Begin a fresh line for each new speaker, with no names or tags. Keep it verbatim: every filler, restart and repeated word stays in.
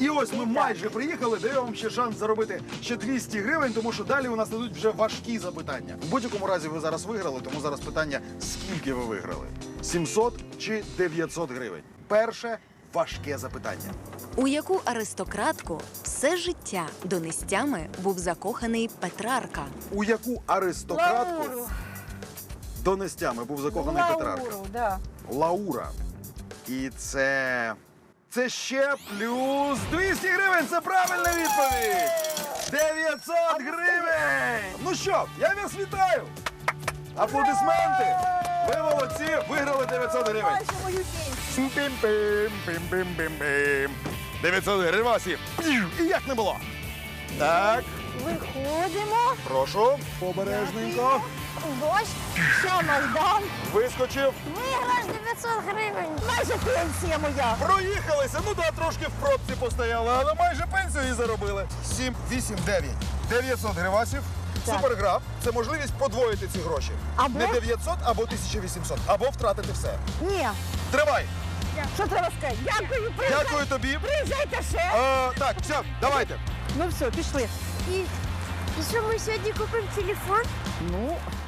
І ось ми майже приїхали, даю вам ще шанс заробити ще двісті гривень, тому що далі у нас ідуть вже важкі запитання. В будь-якому разі ви зараз виграли, тому зараз питання, скільки ви виграли? сімсот чи дев'ятсот гривень? Перше важке запитання.
У яку аристократку все життя донестями був закоханий Петрарка?
У яку аристократку
Лауру.
донестями був закоханий Петрарка?
Лауру, да.
Лаура. І це... Це ще плюс двісті гривень. Це правильна відповідь. дев'ятсот гривень. Ну що, я вас вітаю. Аплодисменти. Ви молодці, виграли дев'ятсот гривень.
Майже мою пенсію.
Пім-пім, пім-пім-пім-пім. дев'ятсот гривень вас є. І як не було. Так,
Виходимо.
прошу, обережненько.
Дощ, ще Майдан.
Вискочив.
Виграш дев'ятсот гривень. Майже пенсія моя.
Проїхалися, ну да, трошки в пробці постояли, але майже пенсію і заробили. сім, вісім, дев'ять. дев'ятсот гривасів.
Так.
Суперграф. Це можливість подвоїти ці гроші.
Або?
Не дев'ятсот, або тисяча вісімсот. Або втратити все.
Ні.
Тривай.
Що треба сказати? Дякую, приїжджайте.
Дякую тобі.
Приїжджайте ще.
Е, так, все, давайте.
Ну все, пішли.
І, і що ми сьогодні купимо телефон?
Ну,